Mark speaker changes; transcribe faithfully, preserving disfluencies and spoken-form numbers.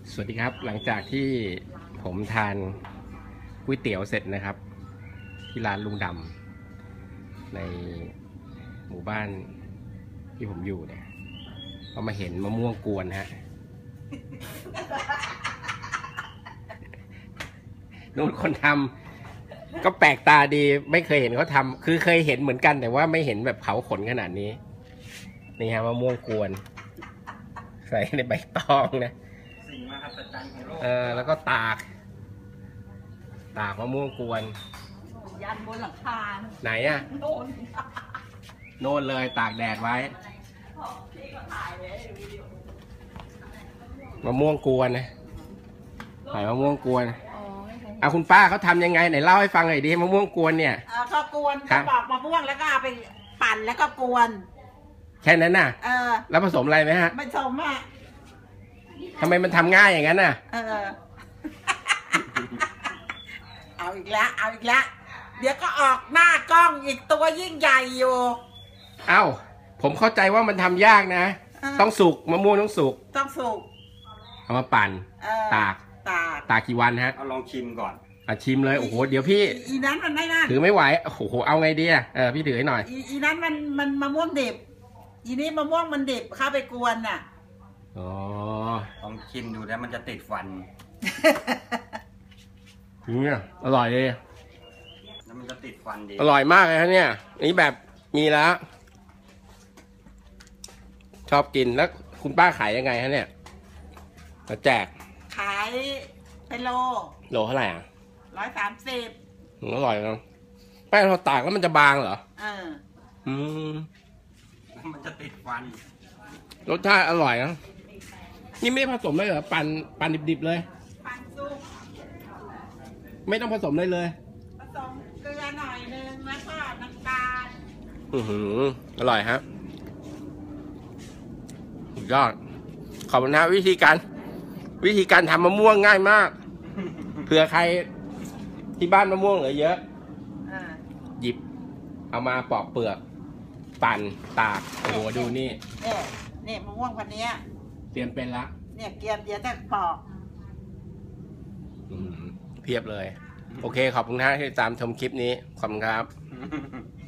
Speaker 1: สวัสดีครับหลังจากที่ผมทานก๋วยเตี๋ยวเสร็จนะครับที่ร้านลุงดำในหมู่บ้านที่ผมอยู่เนี่ยก็มาเห็นมะม่วงกวนฮะนู่นคนทำก็แปลกตาดีไม่เคยเห็นเขาทำคือเคยเห็นเหมือนกันแต่ว่าไม่เห็นแบบเผาขนขนาดนี้นี่ฮะมะม่วงกวนใส่ในใบตองนะเออแล้วก็ตากตากมะม่วงกวน
Speaker 2: ยันบนหลังคา
Speaker 1: ไหนอะโน่นโน่นเลยตากแดดไว้มะม่วงกวนนะใส่มะม่วงกวนเอาคุณป้าเขาทำยังไงไหนเล่าให้ฟังหน่อยดิมะม่วงกวนเนี่ย
Speaker 2: ก็กวนก็ปอกมะม่วงแล้วก็เอาไปปั่นแล้วก็กวน
Speaker 1: แค่นั้นน่ะ
Speaker 2: เออ
Speaker 1: แล้วผสมอะไรไหมฮะ
Speaker 2: ผสมอ่ะ
Speaker 1: ทำไมมันทำง่ายอย่างนั้นน่ะ
Speaker 2: เออเอาอีกแล้วเอาอีกแล้วเดี๋ยวก็ออกหน้ากล้องอีกตัวยิ่งใหญ่อยู่
Speaker 1: เอ้าผมเข้าใจว่ามันทำยากนะต้องสุกมะม่วงต้องสุก
Speaker 2: ต้องสุก
Speaker 1: เอามาปั่นตาก
Speaker 2: ตาก
Speaker 1: ตากกี่วันฮะ
Speaker 3: เอาลองชิมก่อน
Speaker 1: อ่ะชิมเลยโอ้โหเดี๋ยวพี่
Speaker 2: อีนั้นมันไม่น่า
Speaker 1: ถือไม่ไหวโอ้โหเอาไงดีอ่ะเออพี่ถือให้หน่อย
Speaker 2: อีนั้นมันมันมะม่วงดิบอีนี้มะม่วงมันดิบเข้าไปกวนน่ะ
Speaker 1: อ๋อ
Speaker 3: ลองชิมดูแล้วมันจะติดฟัน
Speaker 1: เนี่ยอร่อยเลย
Speaker 3: แล้วมันจะติดฟันดี
Speaker 1: อร่อยมากเลยฮะเนี่ยนี่แบบมีแล้วชอบกินแล้วคุณป้าขายยังไงฮะเนี่ยจะแจก
Speaker 2: ขายเป็นโล
Speaker 1: โลเท่าไหร่อ่ะ
Speaker 2: ร้อยสามสิบ
Speaker 1: อร่อยนะแป้งเราตากแล้วมันจะบางเหรอ
Speaker 2: เออ
Speaker 1: อืม
Speaker 3: มันจะติดฟัน
Speaker 1: รสชาติอร่อยนะนี่ไม่ผสมเลยเหรอปั่นปั่นดิบๆเลย
Speaker 2: ปั่นซุป
Speaker 1: ไม่ต้องผสมเลยเลย
Speaker 2: ผสมเกลือหน่อยนึงแล้วก็น้ำตาล
Speaker 1: อือหืออร่อยฮะสุดยอดขอบคุณนะวิธีการวิธีการทำมะม่วงง่ายมากเผื่อใครที่บ้านมะม่วงเหลือเยอะหยิบเอามาปอกเปลือกปั่นตากโอ้โหดูนี่
Speaker 2: เนี่ยเนี่ยมะม่วงพันนี้
Speaker 1: เตรียมเป็นละ
Speaker 2: เนี่ยเกียมเดี๋ยวจะปอก
Speaker 1: เพียบเลยโอเคขอบคุณท่านที่ตามชมคลิปนี้ขอบคุณครับ